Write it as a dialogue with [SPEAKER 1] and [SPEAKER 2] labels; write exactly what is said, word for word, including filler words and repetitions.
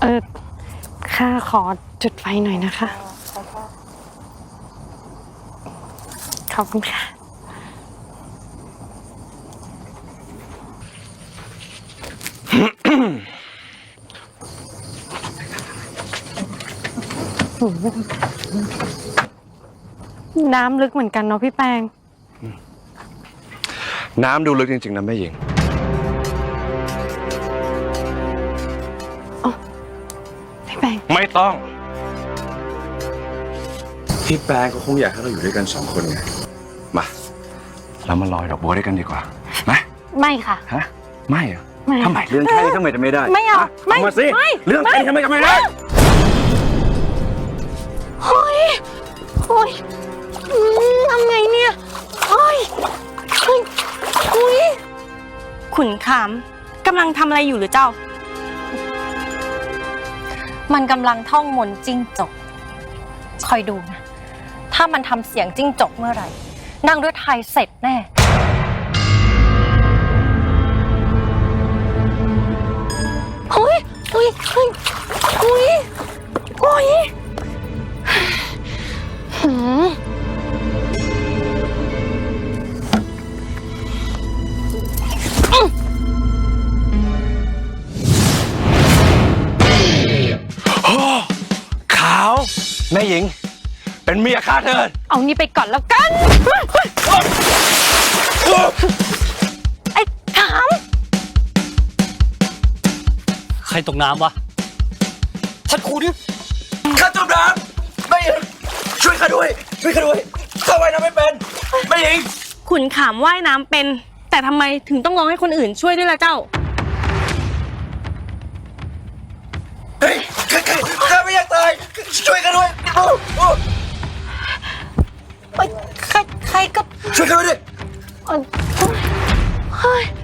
[SPEAKER 1] เออข้าขอจุดไฟหน่อยนะคะขอบคุณค่ะน้ำลึกเหมือนกันเนาะพี่แปง
[SPEAKER 2] น้ำดูลึกจริงๆนะแม่หญิง
[SPEAKER 1] พี่แปง
[SPEAKER 2] ไม่ต้องพี่แปงก็คงอยากให้เราอยู่ด้วยกันสองคนไงมาเรามาลอยดอกบัวด้วยกันดีกว่าไหม
[SPEAKER 1] ไม่ค่ะ
[SPEAKER 2] ฮะไม่อะ
[SPEAKER 1] ไม่
[SPEAKER 2] ทำไมเรื่องแค่นี้ทำไมจะไม่ได้
[SPEAKER 1] ไม่เอาไม่
[SPEAKER 2] มาสิเรื่องแค่นี้ทำไมจะไม่ได้
[SPEAKER 1] เฮ้ยโอ้ยทำไงเนี่ยเฮ้ยเฮ้ยเฮ้ย
[SPEAKER 3] ขุนขามกำลังทำอะไรอยู่หรือเจ้า
[SPEAKER 4] มันกำลังท่องมนต์จิ้งจกคอยดูนะถ้ามันทำเสียงจิ้งจกเมื่อไหร่นางฤทัยเสร็จแน่
[SPEAKER 1] เฮ้ยเฮ้ยเฮ้ยเฮ้ยเฮ้ยหืม
[SPEAKER 2] ขาวแม่หญิงเป็นเมียข้าเถิด
[SPEAKER 1] เอานี่ไปก่อนแล้วกันไอ้ขาม
[SPEAKER 5] ใครตกน้ำวะท่านครูดิ
[SPEAKER 2] ข้าจมน้ำแม่หญิงช่วยข้าด้วยช่วยข้าด้วยข้าว่ายน้ำไม่เป็นแม่หญิง
[SPEAKER 3] ขุนขามว่ายน้ำเป็นแต่ทำไมถึงต้องร้องให้คนอื่นช่วยด้วยล่ะเจ้า
[SPEAKER 2] เฮ้ยข้าข้าไม่อยากตายช่วยข้าด้วย
[SPEAKER 4] ใครใครก็
[SPEAKER 2] ช่วยข้าด้วย
[SPEAKER 1] เฮ้ย